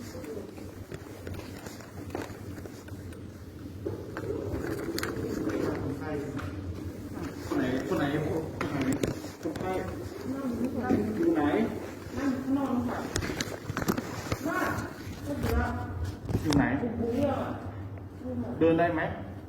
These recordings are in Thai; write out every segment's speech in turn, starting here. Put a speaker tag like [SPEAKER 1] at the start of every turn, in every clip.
[SPEAKER 1] คนไหนคนไข้อยู่ไหนนั่งข้างนอกค่ะอยู่ไหนเดินได้ไหม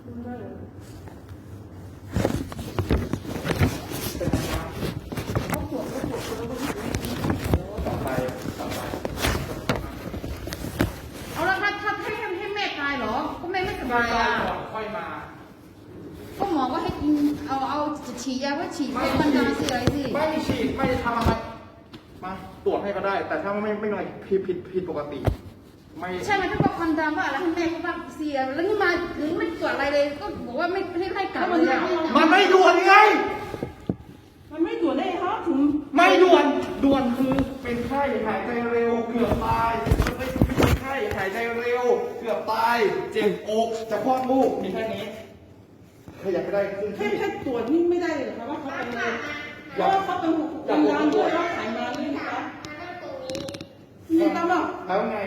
[SPEAKER 2] เอาแล้วถ้าให้แม่ตายเหรอก็แม่ไม่สบายอ่ะ
[SPEAKER 1] ค่อยมา
[SPEAKER 2] ก็หมอก็ให้กินเอาจะฉีดยาว่าฉีดเป็นมันดาสิอะไรสิ
[SPEAKER 1] ไม่ฉีดไม่ได้ทำอะไรมาตรวจให้ก็ได้แต่ถ้าไม่มีอะไรผิดปกติไม่
[SPEAKER 2] ใช่ไหมถ้าบอกมันดาว่าแล้วให้แม่เขาว่าเสียแล้วนี่มาหรือไม่ตรวจอะไรเลยก็บอกว่าไม่ให้กลับเลย
[SPEAKER 1] มันไม่ด่วนไง
[SPEAKER 3] มันไม่ด่วนได้ครับถึง
[SPEAKER 1] ไม่ด่วนคือเป็นไข้หายใจเร็วเกือบตายไม่เป็นไข้หายใจเร็วเกือบตายเจ็บอกจะคลอดลูกมีแค่นี้ขยับไม่ได้ขึ้นที่
[SPEAKER 3] แค่ตรวจนี่ไม่ได้เลยครับว่าเขาเป็นอะไรเพราะว่าเขาเป็นทำงานด้วยแล้วขายมาด้วยนะคะมีตลอด
[SPEAKER 1] แล้วไง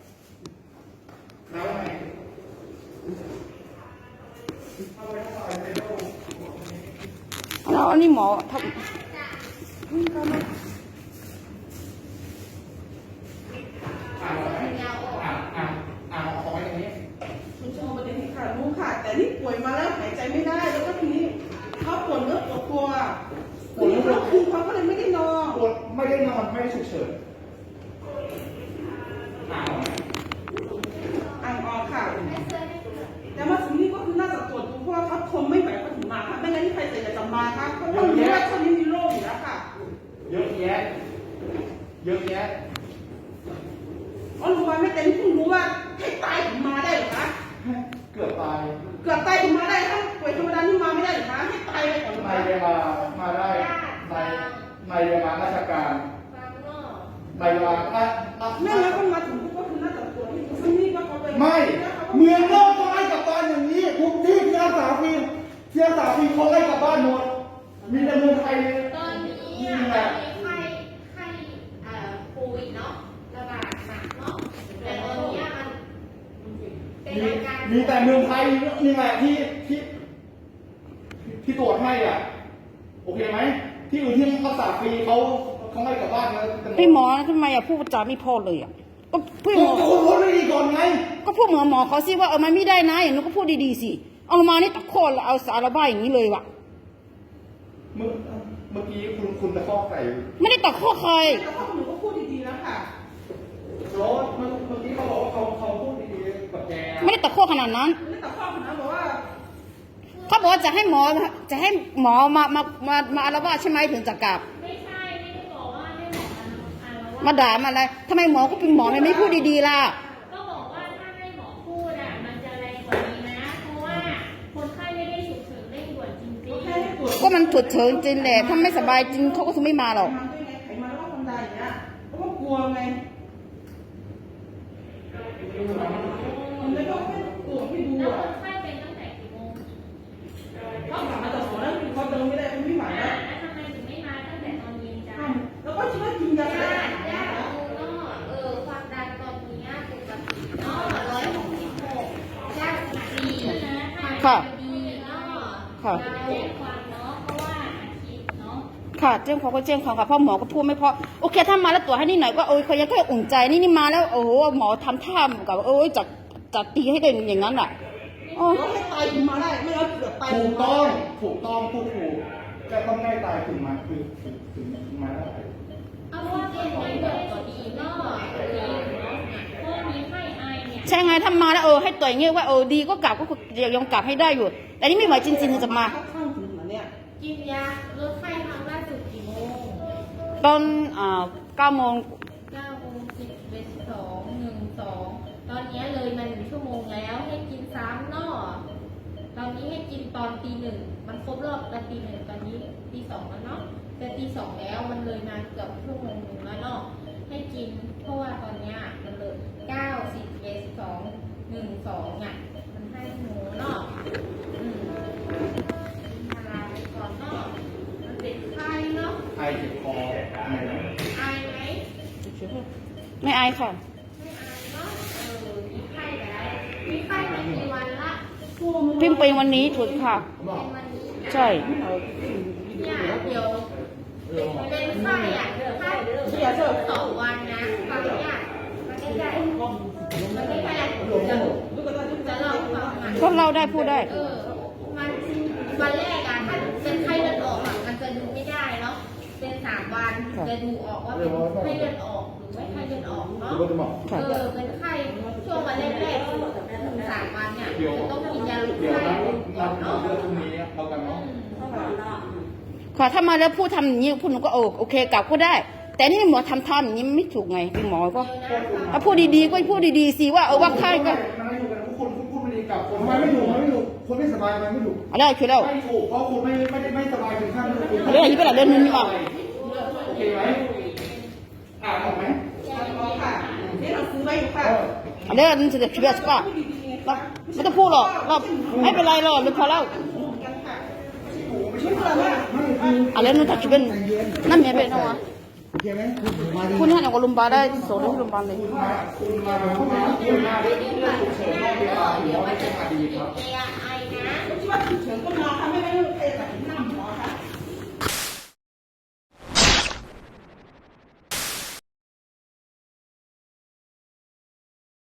[SPEAKER 2] แล้วอันนี้หมอทำ
[SPEAKER 1] เอาไว้ตรงนี้
[SPEAKER 3] คุณชมประเด็นที่ขาดรู้ค่ะแต่นี่ป่วยมาแล้วหายใจไม่ได้แล้วก็ทีนี้เขาปวดเนื้อปวดตัวทีนี้เขาก็เลยไม่ได้นอน
[SPEAKER 1] ปวดไม่ได้นอนไม่ได้ฉุกเฉิน
[SPEAKER 3] อ่างออกค่ะแต่มาถึงนี่ก็คือน่าจะตรวจดูเพราะว่าเขาทนไม่ไหวเขาถึงมาค่ะไม่งั้นที่ใครจะมาค่ะเพราะว่ารู้ว่าคนนี้มีโรคอยู่แล้วค่ะ
[SPEAKER 1] เยอะแยะ
[SPEAKER 3] อ๋อรู้ว่าไม่เต็มเพิ่งรู้ว่าให้ตายถึงมาได้หรอคะ
[SPEAKER 1] เกือบตาย
[SPEAKER 3] ถึงมาได้ถ้าป่วยธรรมดาที่มาไม่ได้หรอคะให้ตายไปก่อน
[SPEAKER 1] นายเรียมาได้นายเรียมาราชการนายมา
[SPEAKER 3] แม่แล้วก็มาถึงก็คือน่าจะตรวจที่ซึ่งนี่ก็เขาเป็น
[SPEAKER 1] ไม่เมืองโลกต้องให้กลับบ้านอย่างนี้ทุกที่เสียสาฟีเขาให้กลับบ้านหมดมีแต่เมืองไทย
[SPEAKER 4] ตอนนี้ไข้โควิดเนาะระบาดหนักเนาะแต่ตอนนี้มันเป็นอาการ
[SPEAKER 1] มีแต่เมืองไทยนี่แหละที่ตรวจให้อ่ะโอเคไหมที่อื่นที่รักษาฟรีเขาให้กลับบ้านแล้ว
[SPEAKER 2] พี่หมอทำไมพูดจาไม่พอเลยอ่ะก็พี่หมอ
[SPEAKER 1] พูดไม่ดีก่อนไง
[SPEAKER 2] ก็พูดเหมือนหมอเขาสิว่ามันไม่ได้นะอย่างนู้นก็พูดดีๆสิเอามานี่ตะโกนเอาสารบ้าอย่างนี้เลยว่ะ
[SPEAKER 1] เมื่อกี้คุณตะคอกใส่
[SPEAKER 2] ไม่ได้ตะโกนใคร
[SPEAKER 3] แต่ว่าหนูก็พูดดีๆแล้วค่ะ
[SPEAKER 1] รถเมื่อกี้เขาบอกว่าเขาพูดดีๆกับแก
[SPEAKER 2] ไม่ได้ตะโกนขนาดนั้น
[SPEAKER 3] ไม่ได้ตะคอกขนาดนั้นบอกว่า
[SPEAKER 2] เขาบอกว่าจะให้หมอมาอาละวาดใช่ไหมถึงจะกลับ
[SPEAKER 4] ไม่ใช่ไม่ได้บอกว่าให้หมอ
[SPEAKER 2] มาด่ามาอะไรทำไมหมอก็เป็นหมอไม่พูดดีๆล่ะ
[SPEAKER 4] ก็บอกว่าถ้าให้หมอพูดอ่ะมันจะแรงกว่านี้นะเพราะว่าคนไข้ไม่ได้ฉุกเฉินเร่งด่วนจริง
[SPEAKER 2] ๆก็มันฉุกเฉินจริงแหละถ้าไม่สบายจริงเขาก็คงไม่มาหรอก
[SPEAKER 3] ไขมันแล้วก็ทำได้อย่างเงี้ยเพราะว่ากลัวไงมันเลยก็แค่ตรวจให้ดู
[SPEAKER 4] แล้ว
[SPEAKER 3] อ่ะ
[SPEAKER 4] คนไข้เป็นตั้งแต่กี่โมง
[SPEAKER 3] เขาถามมาจากหมอแล้วเขาเดินไม่ได้เขาไม่ไหวแล้ว
[SPEAKER 4] ทำไมถึงไม่มาตั้งแต่ตอนเย็นจ้า
[SPEAKER 3] แล้วก็คิดว่ากินยา
[SPEAKER 4] ญาติความดันตอนนี้ปกติเนาะ166ญาติดี
[SPEAKER 2] ค่ะ
[SPEAKER 4] ค่ะแจ้งความเนาะเพราะว่าอาทิตย์เนาะ
[SPEAKER 2] ค่ะแจ้งความก็แจ้งความค่ะเพราะหมอก็พูดไม่พอโอเคถ้ามาแล้วตรวจให้นิดหน่อยก็เขายังแค่อุ่นใจนี่มาแล้วโอ้โหหมอทำท่ากับจัดตีให้กันอย่างนั้นอ่ะ
[SPEAKER 3] ให้ตายถึงมาได้ไม่เอาเกือบตาย
[SPEAKER 1] ถูกต้องพูดถูกจะต้องได้ตายถึงมาได้
[SPEAKER 4] เอาว่าเป็นไงเกิดก็ดีเนาะเพราะมีไข้ไอเนี่ย
[SPEAKER 2] ใช่ไงถ้ามาแล้วให้ตัวอย่างเงี้ยว่าดีก็กลับก็ยังกลับให้ได้อยู่แต่นี่ไม่ไหวจริงๆจะมา
[SPEAKER 4] กินยาลดไข้ครั้งล่าสุดกี่โมง
[SPEAKER 2] ตอน9 โมง
[SPEAKER 4] ตอนนี้เลยมา1 ชั่วโมงแล้วให้กิน3เนาะตอนนี้ให้กินตอนตี 1มันครบรอบตอนตี 1ตอนนี้ตี 2แล้วเนาะแต่ตี 2แล้วมันเลยมาเกือบชั่วโมงนึงแล้วเนาะให้กินเพราะว่าตอนนี้มันเลย9 10 11 2 1 2เนี่ยมันให้หนูเนาะพาไปก่อนเนาะมันเป็นไข้เนาะ
[SPEAKER 1] ไอเจ็บคอ
[SPEAKER 4] ไอไหม
[SPEAKER 2] ไม่ไอค่ะ
[SPEAKER 4] ไม่ไอเนาะ
[SPEAKER 2] พิมพ์เป็นวันนี้ถูกค่ะ
[SPEAKER 1] บอก
[SPEAKER 4] เป็นวันนี้
[SPEAKER 2] ใช่
[SPEAKER 4] เนี่ยเดี๋ยวเป็นไข้อ่ะไข้2 วันนะฟังเนี่ยมันไม่ได้จะเล่าฟังอ่ะ
[SPEAKER 2] ก็เล่าได้พูดได้
[SPEAKER 4] มันวันแรกอ่ะถ้าเป็นไข้เลือดออกอ่ะมันจะดูไม่ได้เนาะเป็น3 วันจะดูออกว่าเป็นไข้เลือดออกหรือไม่ไข้เลือดออกเนาะ
[SPEAKER 1] เดี๋ยวก็จะบอก
[SPEAKER 4] เป็นไข้ช่วงวันแรกๆถึง3 วันเนี่ยจะต้องกินยาลด
[SPEAKER 1] เดี๋ยว
[SPEAKER 4] ไข้
[SPEAKER 1] นัด
[SPEAKER 4] ก่อน
[SPEAKER 1] นัด
[SPEAKER 4] เนาะ
[SPEAKER 1] เรื่องพรุ่งนี้เอากันเนาะ
[SPEAKER 2] ค่ะถ้ามาแล้วพูดทำอย่างนี้พูดหนูก็โอเคกลับก็ได้ แต่นี่หมอทำอย่างนี้ไม่ถูกไงเป็นหมอก็ถ้าพูดดีๆก็พูดดีๆสิว่าว่าไข้ก็
[SPEAKER 1] มันไม่ถูกกันทุกคนพูดไม่ดีกับคนไม่ถูกคนไม่สบายมันไม่ถูก
[SPEAKER 2] อะไรคือแล้ว
[SPEAKER 1] ไม่ถูกเพราะคุณไม่สบายถึงขั้นนั้นคุณ
[SPEAKER 2] อะไรอย่างนี้เป็นอะไรเรื่องนี้อ่ะ
[SPEAKER 1] โอเคไหมอ่านออกไหม
[SPEAKER 3] ค่ะนี่เราซื้อไว้อยู่ค่ะ
[SPEAKER 2] อะไรนั่นจะเชื่อสป่ะไม่ต้องพูดหรอกเราไม่เป็นไรหรอกหรือพอแล้ว
[SPEAKER 3] กันค่ะไม่ใช่เพื่อนว่า
[SPEAKER 2] อะไรนั่นถ้าคิดเป็นนั่นเมียเป็นเอาวะ
[SPEAKER 1] โอเคไหมมาดี
[SPEAKER 2] คุณให้เอาลุมบาได้ส่งที่โรงพยาบาลเลย
[SPEAKER 1] คุณมาแบบคุณมาเรื่องฉุกเฉินนอกเวลาหมอไม่ใช่คดีครับ
[SPEAKER 4] เอไอนะ
[SPEAKER 3] ที่ว่าฉุกเฉินก็มาค่ะไม่ได้ใครแบบนี้